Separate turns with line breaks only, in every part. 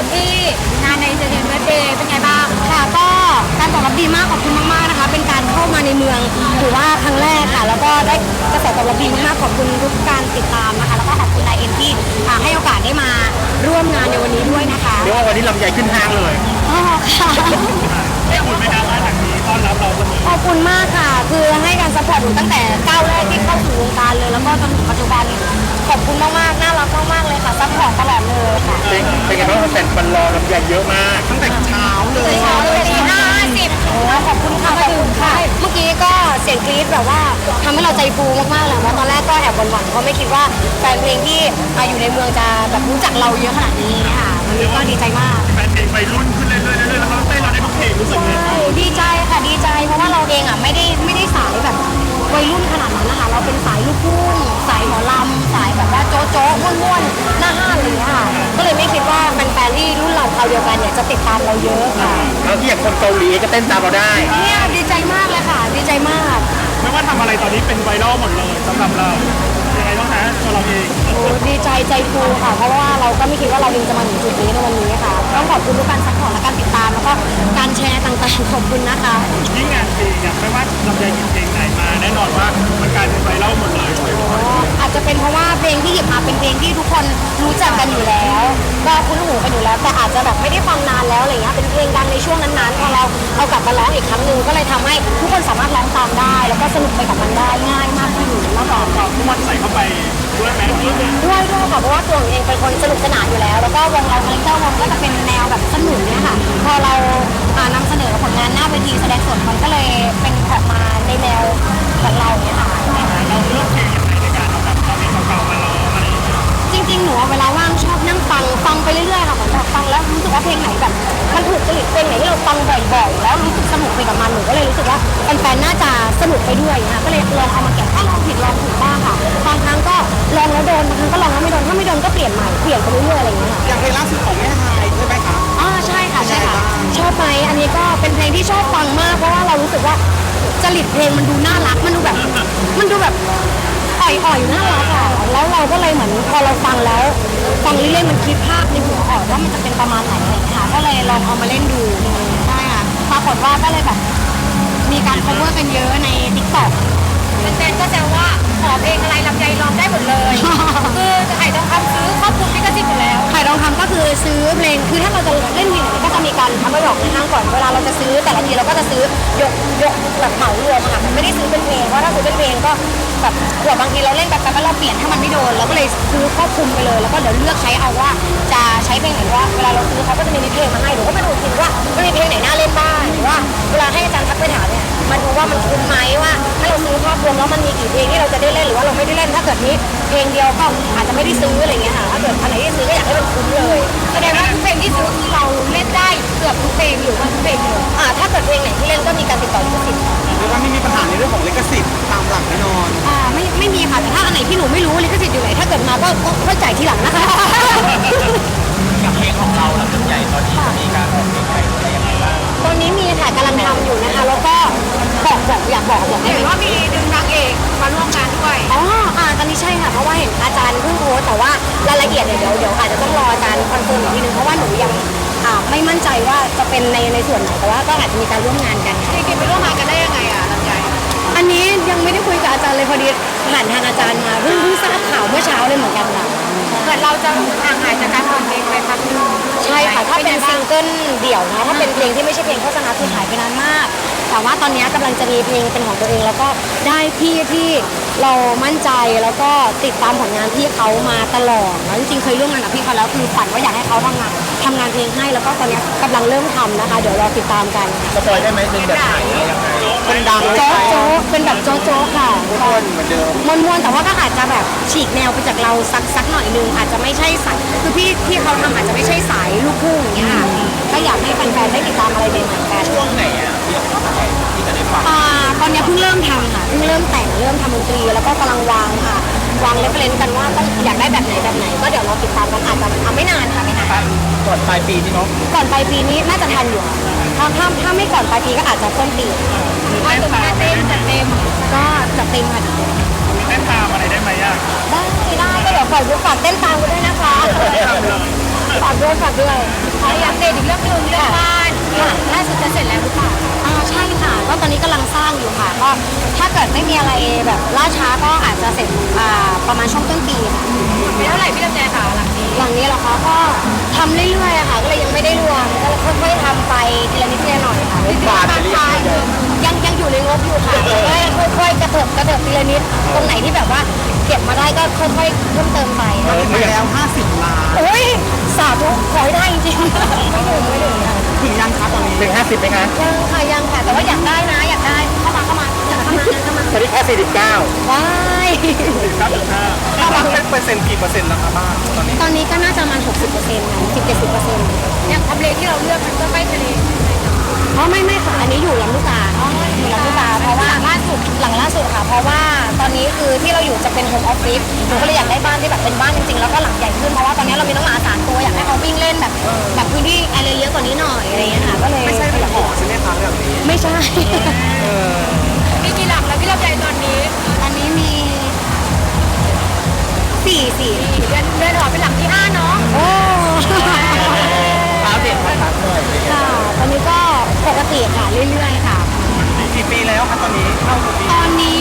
ที่งานในเซนต์เบิร์ดเดย์เป็นไงบ้าง
ค่ะก็การตอบรับดีมากขอบคุณมากๆนะคะเป็นการเข้ามาในเมืองถือว่าครั้งแรกค่ะแล้วก็ได้กระแสตอบรับดีมากๆขอบคุณทุกการติดตามนะคะแล้วก็ขอบคุณนายเอ็นที่ให้โอกาสได้มาร่วมงานในวันนี้ด้วยนะคะ
เรียกว่าวันนี้ลำใหญ่ขึ้นห้างเลย
อ๋อค่ะ
ได้คุณไหมครับว่าทางนี้ต้อนรับเราวันนี้
ขอบคุณมากค่ะคือให้การซัพพอร์ตหนูตั้งแต่ก้าวแรกที่เข้าสู่วงการเลยแล้วก็จนถึงปัจจุบันขอบคุณมากๆน่ารักมากๆเลยค่ะซัพพอร์ตตลอดเลยค่ะ
เป็นไงบ้างแฟนบันรอลำใหญ่เยอะมากตั้งแต่เช้าเลย
4:50ขอบคุณค่ะขอบคุณค่ะเมื่อกี้ก็เสียงกรี๊ดแบบว่าทำให้เราใจฟูมากๆแหละเพราะตอนแรกก็แอบหวั่นๆเพราะไม่คิดว่าแฟนเพลงที่อยู่ในเมืองจะแบบรู้จักเราเยอะขนาดนี้ค่ะวันนี้ก็ดีใจมาก
แฟนเพลงไปรุ่นขึ้นเรื่อยๆแล้วเขาเต้นเราได้ทุกเพลงรู้สึกไง
ดีใจค่ะดีใจเพราะว่าเราเองไม่ได้สายแบบวัยรุ่นขนาดนั้นนะคะเราเป็นสายลูกทุ่งสายหมอลำสายแบบว่าโจ๊ะโจ๊ะม่วนๆหน้าห้านเลยค่ะก็เลยไม่คิดว่าแฟนๆที่รุ่นเราคราวเดียวกันเนี่ยจะติดตามเราเยอะค่ะ
แล้วที่อย่างคนเกาหลีก็เต้นตามเราได้
เนี่ยดีใจมากเลยค่ะดีใจมาก
ไม่ว่าทำอะไรตอนนี้เป็นไวรัลหมดเลยสำหรับเรายังไงบ้างนะตัวเราเอง
โอ้ดีใจใจฟูค่ะเพราะว่าเราก็ไม่คิดว่าเราเองจะมาถึงจุดนี้ในวันนี้ค่ะต้องขอบคุณทุกการซัพพอร์ตและการติดตามแล้วก็การแชร์ต่างๆขอบคุณนะคะ
ยิ่งงานเพลงไม่ว่าลำไยหยิบเพลงไหนมาแน่นอนว่ามันกลายเป็นไวรัลหมดเลย
อาจจะเป็นเพราะว่าเพลงที่หยิบมาเป็นเพลงที่ทุกคนรู้จักกันอยู่แล้วก็คุ้นหูกันอยู่แล้วแต่อาจจะแบบไม่ได้ฟังนานแล้วอะไรเงี้ยเป็นเพลงดังในช่วงนั้นๆพอเราเอากลับมาร้องอีกครั้งหนึ่งก็เลยทำให้ทุกคนสามารถร้องตามได้แล้วก็สนุกไปกับมันได้ง่ายมากขึ้นแล้วก็
ทุกคนใส่เข้าไปด้วยไหม
ด้วยค่ะเพราะว่าตัวเองเป็นคนสนุกสนานอยู่แล้วแล้วก็วงเราคาแรคเตอร์วงก็จะเป็นแนวแบบสนุกเนี่ยค่ะพอเรานำเสนอผลงานหน้าเวทีแสดงสดมันก็เลยเป็นออกมาในแนวของเราเนี่ยค่ะ
เราเลือกเพลงยังไงในการเอาแบบเอาเพลงเก่าๆมาร้องอะไร
จริงๆหนูเวลาว่างชอบนั่งฟังไปเรื่อยๆค่ะเหมือนแบบฟังแล้วรู้สึกว่าเพลงไหนแบบมันถูกจริตเพลงไหนที่เราฟังบ่อยๆแล้วรู้สึกสนุกไปกับมันหนูก็เลยรู้สึกว่าแฟนๆน่าจะสนุกไปด้วยนะก็เลยลองเอามาแกะถ้าลองผิดลองถูกบ้างค่ะบางครั้งก็ลองแล้วโดนบางครั้งก็ลองแล้วไม่โดนถ้าไม่โดนก็เปลี่ยนใหม่เปลี่ยนไปเรื่อยๆอะไรอย่างเงี้ยค่ะ
อย่างเพลงล่าสุดของแม่ไฮใช่ไหมคะ
ใช่ค่ะชอบไหมอันนี้ก็เป็นเพลงที่ชอบฟังมากเพราะว่าเรารู้สึกว่าจริตเพลงมันดูน่ารักมันดูแบบอ่อยน่ารักอ่ะแล้วเราก็เลยเหมือนพอเราฟังแล้วฟังเรื่อยๆมันคิดภาพในหัวออกว่ามันจะเป็นประมาณไหนอะไรอย่างเงี้ยค่ะก็เลยลองเอามาเล่นดูใช่ค่ะปรากฏว่าก็เลยแบบมีการ cover กันเยอะใน TikTok
แฟนๆก็แซวว่าขอเพลงอะไรลำไยร้องได้หมดเลยคือไข่ทองคำซื้อครอบคลุมลิขสิทธิ์อยู่แล้ว
ไข่ทองคำก็คือซื้อเพลงคือถ้าเราจะเล่นเพลงไหนก็จะมีการทำประโยคในห้างก่อนเวลาเราจะซื้อแต่ละทีเราก็จะซื้อยกแบบเหมารวมค่ะไม่ได้ซื้อเป็นเพลงเพราะถ้าซื้อเป็นเพลงก็แบบเผื่อบางทีเราเล่นแบบแล้วเราเปลี่ยนถ้ามันไม่โดนเราก็เลยซื้อครอบคลุมไปเลยแล้วก็เดี๋ยวเลือกใช้เอาว่าจะใช้เพลงไหนว่าเวลาเราซื้อเขาก็จะมีเพลงมาให้หนูก็มาดูทีว่ามันมีเพลงไหนน่าเล่นบ้างหรือว่าเวลาให้อาจารย์ทักไปถามเนี่ยมันดูว่ามันคุ้มไหมว่าถ้าเราซื้อครอบคลุมแล้วมันมีกี่เพลงที่เราจะได้เล่นหรือว่าเราไม่ได้เล่นถ้าเกิดนี้เพลงเดียวก็อาจจะไม่ได้ซื้ออะไรเงี้ยค่ะถ้าเกิดอันไหนที่ซื้อก็อยากให้มันคุ้มเลย
แสดงว่าทุกเพลงที่ซื้อคือเราเล่นได้เกือบทุกเพลงหรือว่าทุกเพลงเลย
ถ้าเกิดเพลงไหนที่เล่นก็มีการติดต่อลิขสิทธิ์
หรือว่าไม่มีปัญหาในเรื่องของลิขสิทธิ์ตามหลักแน่นอน
ไม่มีค่ะแต่ถ้าอันไหนที่หนูไม่รู้ลิขสิทธิ์อยู่ไหนถ้าเกิดมาก็จ่ายทีหลังนะคะ
กับเพลงของเราแล้วเป็นใหญ่ตอนนี้จะมีการออกเพลงใหม่อะไรยังไงบ้าง
ตอนนี้มีค่ะกำลังทำอยู่นะคะแล้วก็อยากบอก
เห็นว่ามีดึงนางเอกมาร่วมงานด้วย
ตอนนี้ใช่ค่ะเพราะว่าเห็นอาจารย์เพิ่งโพสแต่ว่ารายละเอียดเดี๋ยวอาจจะต้องรออาจารย์คอนเฟิร์มอีกทีนึงเพราะว่าหนูยังไม่มั่นใจว่าจะเป็นในส่วนไหนแต่ว่าก็อาจจะมีการร่วมงานกัน
จริงๆไปร่วมงานกันได้ยังไงลำไย
อันนี้ยังไม่ได้คุยกับอาจารย์เลยพอดีผ่านทางอาจารย์มาเพิ่งทราบข่าวเมื่อเช้าเลยเหมือนกันค่ะ
เหมือนเราจะห่างหายจากการทำเพลงไปพักนึง
ใช่ค่ะถ้าเป็นซิงเกิลเดี่ยวนะถ้าเป็นเพลงที่ไม่ใช่เพลงโฆษณาคือหายไปนานมากแต่ว่าตอนนี้กำลังจะมีเพลงเป็นของตัวเองแล้วก็ได้พี่ที่เรามั่นใจแล้วก็ติดตามผลงานพี่เขามาตลอดแล้วจริงๆเคยร่วมงานกับพี่เขาแล้วคือฝันว่าอยากให้เขาทำงานเพลงให้แล้วก็ตอนนี้กำลังเริ่มทำนะคะเดี๋ยวรอติดตามกัน
สปอยได้ไหมเป็นแบบไหนยังไงคนดัง
โจ๊กเป็นแบบโจ๊กค่ะ
ม้วนเหมือนเดิม
ม้วนแต่ว่าก็อาจจะแบบฉีกแนวไปจากเราสักหน่อยนึงอาจจะไม่ใช่สายคือพี่ที่เขาทำอาจจะไม่ใช่สายลูกทุ่งอย่างเงี้ยค่ะก็อยากให้แฟนๆได้ติดตามอะไรใหม่ๆกัน
ช่วงไหนที่จะได้ฟัง
ตอนนี้เพิ่งเริ่มทำค่ะเพิ่งเริ่มแต่งเริ่มทำดนตรีแล้วก็กำลังวางเรฟเฟรนซ์กันว่าต้องอยากได้แบบไหนก็เดี๋ยวเราติดตามกันอาจจะไม่นานค่ะไม่นาน
ก่อนปลายปีนี่เนาะ
ก่อนปลายปีนี้น่าจะทันอยู่ถ้าไม่ก่อนปลายปีก็อาจจะต้นปี
ถ้าเกิดมาเต็มก็จัดเ
ต็มค่ะ
มีเต้นตามอะไรได้ไหม
ได้ก็เดี๋ยวฝากเต้นตามกันด้วยนะคะฝากด้วย
อัปเดตอีกเรื่องหนึงเรื่องบ้านล่าสุดจะเสร็จแล้วหรือเปล่า
ใช่ค่ะก็ตอนนี้กำลังสร้างอยู่ค่ะก็ถ้าเกิดไม่มีอะไรแบบล่าช้าก็อาจจะเสร็จประมาณช่วงต้นปีค่ะ
มีเท่าไหร่พี่ลำไยค่ะหลังนี้
หลังนี้เหรอคะก็ทำเรื่อยๆอะค่ะก็เลยยังไม่ได้รวมก็ค่อยๆทำไปทีละนิดทีละหน่อยค่ะ
บาทจะเรียก
ยังอยู่ในงบอยู่ค่ะค่อยๆกระเถิบทีละนิดตรงไหนที่แบบว่าเก็บมาได้ก็ค่อยๆเพิ่มเติมไป
มาแล้ว50 ล้าน
โอ้ยสาธุขอให้ได้จริงๆไม่ถึงค่ะ
ถึงยังคะตอนนี้ถึง50ไหมคะ
ยังค่ะแต่ว่าอยากได้นะอยากได้เข้ามาเข้ามา
ตอนนี้แค่49
ว้าย
9.5ถ้ามันเป็นเปอร์เซ็นต์กี่เปอร์เซ็นต์แล้วคะบ้างตอนนี้
ตอนนี้ก็น่าจะประมาณ 60%นะ10-70%
อย่างทำเลที่เราเลือกมันก็ใกล้ทะเล
อ๋อไม่ค่ะอันนี้อยู่ลำลูกกาอยู่ลำลูกกาเพราะว่าหลังล่าสุดค่ะเพราะว่าตอนนี้คือที่เราอยู่จะเป็นโฮมออฟฟิศหนูก็เลยอยากได้บ้านที่แบบเป็นบ้านจริงๆแล้วก็หลังใหญ่ขึ้นเพราะว่าตอนนี้เรามีน้องหมา3 ตัวอยากให้เขาวิ่งเล่นแบบพื้นที่อะไรเยอะกว่านี้หน่อยอะไรอย่างเงี้ยค่ะก็เลย
ไม่ใช่เป็นหอใช่ไหมคะแบบนี้
ไม่ใช่
มีกี่หลังแล้วพี่ลำไยตอนนี้
อันนี้มี4
เดือนหอเป็นหลังที่5เนาะ
โอ้
อัปเดตภาษาหน่อย
ค่ะตอนนี้ก็ปกติค่ะเรื่อยๆค่ะ
กี่ปีแล้วคะตอนนี้เข้ากี่ปี
ตอนนี้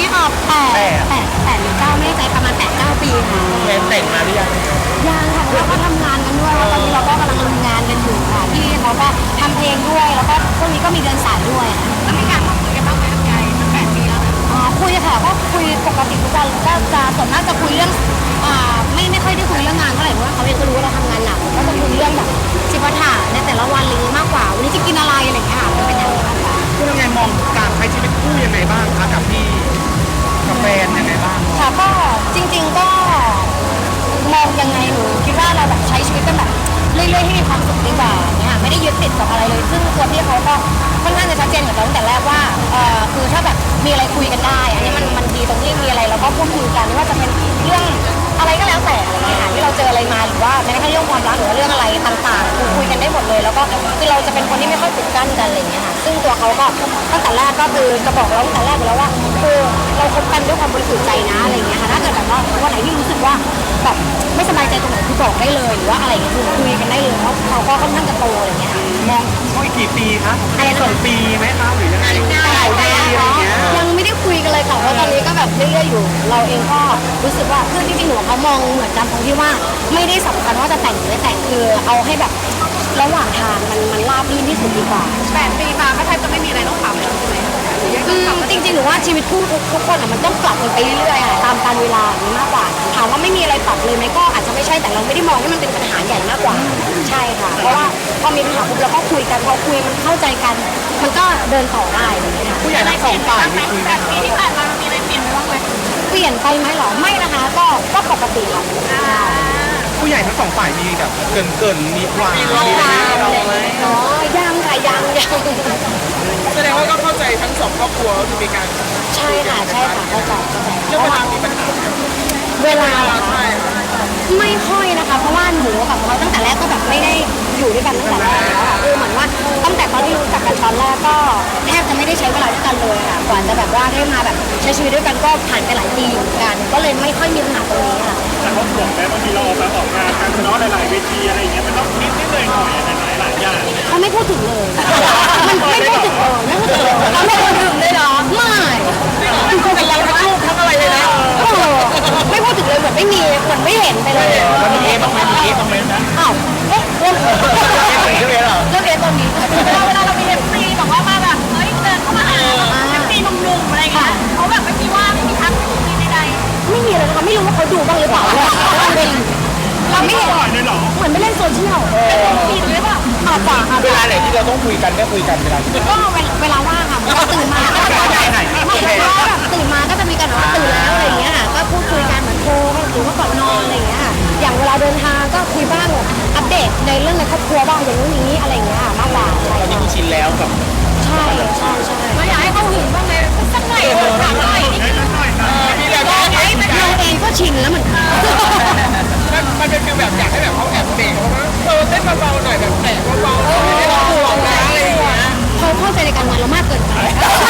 8หรือ9ไม่แน่ใจประมาณ8-9 ปีค่ะ
แฟนแต่งมาหรือยัง
ยังค่ะเพราะว่าก็ทำงานกันด้วยแล้วตอนนี้เราก็กำลังทำงานกันอยู่ค่ะที่เขาก็ทำเพลงด้วยแล้วก็ช่วงนี้ก็มีเดินสายด้วยค่ะ
แล้วมีการพูดคุยกันบ้างไหมลำไยตั้ง8 ปีแล้ว
คุยค่ะก็คุยปกติทุกวันก็จะส่วนมากจะคุยเรื่องไม่ค่อยได้คุยเรื่องงานเท่าไหร่เพราะว่าเขาเองก็รู้ว่าเราทำงานหนักก็จะคุยเรื่องแบบจิปาถะในแต่ละวันอะไรอย่างนี้มากกว่าวันนี้จะกินอะไรอะไรอย่างเงี้ยค่ะมันเป็นอย่างนี้มากกว่า
คุณยังไงมองการใช้ชีวิตคู่ยังไงบ้างคะกับพี่กับแฟนยังไงบ้าง
ค่ะก็จริงๆก็มองยังไงหนูคิดว่าเราแบบใช้ชีวิตกันแบบเรื่อยๆให้มีความสุขดีกว่าเนี่ยไม่ได้ยึดติดกับอะไรเลย ซึ่งตัวพี่เขาก็ค่อนข้างจะชัดเจนกับเราตั้งแต่แรกว่าคือถ้าแบบมีอะไรคุยกันได้ อันนี้มันดีตรงที่มีอะไรเราก็พูดคุยกันไม่ว่าจะเป็นเรื่องอะไรก็แล้วแต่อะไรเงี้ยค่ะที่เราเจออะไรมาหรือว่าแม้กระทั่งเรื่องความรักหรือว่าเรื่องอะไรต่างๆคือคุยกันได้หมดเลย แล้วก็คือเราจะเป็นคนที่ไม่ค่อยปิดกั้นกันอะไรเงี้ยค่ะซึ่งตัวเขาก็ตั้งแต่แรกก็คือจะบอกเราตั้งแต่แรกอยู่แล้วว่าคือเราคบกันด้วยความบริสุทธิ์ใจนะอะไรเงี้ยค่ะถ้าเกิดแบบว่าวันไหนที่รู้สึกว่าแบบไม่สบายใจตรงไหนคือบอกได้เลยหรือว่าอะไรเงี้ยคือคุยกันได้เลยเพราะเขาก็ค่อนข้างจะโตอะไรเงี้ยค่ะ
มองเขาอีกกี่ปีคะ
อะไรนะ
2 ปีไหมคะหรือยังไงข่าวดีอะไรเงี้ย
ยังไม่ได้คุยกันเลยค่ะเพราะตอนนี้ก็แบบเรื่อยๆอยู่ เราเองก็รู้สึกว่าคือจริงๆหนูกับเขามองเหมือนกันตรงที่ว่าไม่ได้สำคัญว่าจะแต่งหรือไม่แต่งคือเอาให้แบบระหว่างทางมันราบรื่นที่สุดดีกว่า
8 ปีมาก็แทบจะไม่มีอะไรต้องปรับแล้วใช่ไหมหรือยังต้องปรับ
จริงๆหนูว่าชีวิตคู่ทุกคนอ่ะมันต้องปรับกันไปเรื่อยๆค่ะตามกาลเวลาอย่างนี้มากกว่าถามว่าไม่มีอะไรปรับเลยไหมก็อาจจะไม่ใช่แต่เราไม่ได้มองให้มันเป็นปัญหาใหญ่มากกว่าใช่ค่ะ เพราะว่าพอมีปัญหาปุ๊บเราก็คุยกันพอคุยมันเข้าใจกัน มันก็เดินต่อได้อะไรอย่างเงี้ยค่ะ
ผู้ใหญ่ทั้งสองฝ่ายมีคุยไหม
8 ปีที่ผ่านมามันมีอะไรเปลี่ยนไปบ้างไหม
เปลี่ยนไปไหมเหรอไม่นะคะก็ปกติค่ะ
ผู้ใหญ่ทั้งสองฝ่ายมีแบบเกินมีหวานมีอะไรไหม
อ๋อยังค่ะยัง
แสดงว่าก็เข้าใจทั้งสองครอบครัวก็คือมีการ
ใช่ค่ะเข้าใจ
เรื่องเวลามีปัญหา
เวลาเหรอคะไม่ค่อยนะคะ เพราะว่าหนูกับเขาตั้งแต่แรกก็แบบไม่ได้อยู่ด้วยกันตั้งแต่แรกแล้วค่ะคือเหมือนว่าตั้งแต่ตอนที่รู้จักกันตอนแรกก็แทบจะไม่ได้ใช้เวลาด้วยกันเลยค่ะกว่าจะแบบว่าได้มาแบบใช้ชีวิตด้วยกันก็ผ่านไปหลายปีอยู่เหมือนกัน ก็เลยไม่ค่อยมีปัญหาตรงนี้ค่ะ
แต่เขาห่วงไหมบางทีเราออกงานกันเนาะหลายๆเวทีอะไรอย่างเงี้ยมันต้องนิดหน่อยหลายอย่าง
เขาไม่พูดถึงเลย มันไม่พูดถึงเลยไม่พูดถึงเลยเขาไม่พูดถึงเลยเหรอไม่เป็นเราทั้งลูกทั้งอะไรเลยนะไม่พูดถึงเลยเหมือนไม่มีเหมือนไม่เห็นไปเลย
มันมีบ้างไหมมีบ้างไหมนะ
อ้าวเอ๊ะเรื่องเรื่องเอตอนนี้
เวลาเรามี FC บอกว่ามาแบบเฮ้ยเดินเข้ามาหา FC หนุ่มๆอะไรเงี้ยเขาแบบไม่มีว่าไม่มีทักไม่มีใด
ไม่มีเลยนะคะไม่รู้ว่าเขาดูบ้างหรือเปล่าเราไม่เห็น
ปล่อยเลยเหรอ
เหมือนไม่เล่นโซเชียล
ๆมีหรือเปล่า
อาจจะค่ะ
เวลาไหนที่เราต้องคุยกันก็คุยกันเวลา
ก็เวลาว่างค่ะเราตื่นมาก็จะไม่เพราะว่าแบบตื่นมาก็จะมีกันว่าตื่นแล้วอะไรอย่างเงี้ยค่ะก็พูดคุยกันเหมือนโทรหรือว่าก่อนนอนอะไรอย่างเงี้ยค่ะอย่างเวลาเดินทางก็คุยบ้างอัปเดตในเรื่องในครอบครัวบ้างอย่างนู้นอย่างนี้อะไรอย่างเงี้ยมากกว่าอะไร
ตอนนี้คุณชินแล้วกับ
ใช่ใช่
เราอยากให้เขาหึงบ้างเลยสักหน่อยถามหน่อยนิดนึง
มีแบบ
เราเองก็ชินแล้วเหมือนกัน
มันเป็นฟีลแบบอยากให้แบบเขาแอบเบรกเขาว่าเต้นเบาๆหน่อยแบบแตะเบาๆไม่ได้ร้องห่วงนะอะไรอย่างเงี้ย
เขาเข้าใจในการงานเรามากเกินไป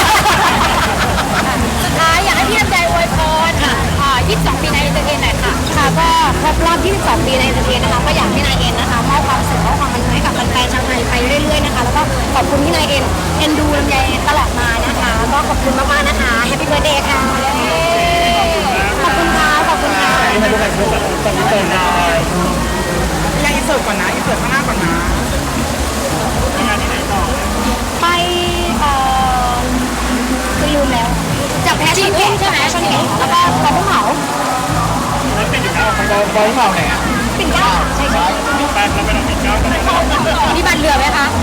สุดท้ายอยากให้พี่ลำไยอวยพร22 ปีในเอนเตอร์เทนหน่อยค่ะ
ค่ะก็ครบรอบ 22 ปีในเอนเตอร์เทนนะคะก็อยากให้นายเอ็นนะคะมอบความสุขและความบันเทิงให้กับแฟนๆชาวอบคุณที่นายเอ็นดูลำไยตลอดมานะคะก็ขอบคุณมากๆนะคะแฮปปี้เบิร์ธเดย์ค่ะขอบคุณค่ะขอบคุณค่ะ
มาดูกันแบบตอนนี้เปิดได้
ยังอินเสิร์ตก่อนนะอินเสิร์ตข้างหน้าก่อนนะ
งานที่ไหนต่อ
ไปคือลืมแล้วจากแพชชั่นเก่งใช่ไหมแพชชั่นเก่งแล้วก็ปอพุ่งเหมา
แล้วเป็นอยู่แล้วไป
บอลเปล่าไหนอ่ะ
ปิ่นเกล้าใช่ใช่
แปดแล้วไปลองปิดเก้ากัน
มีบัตรเหลือไหมคะ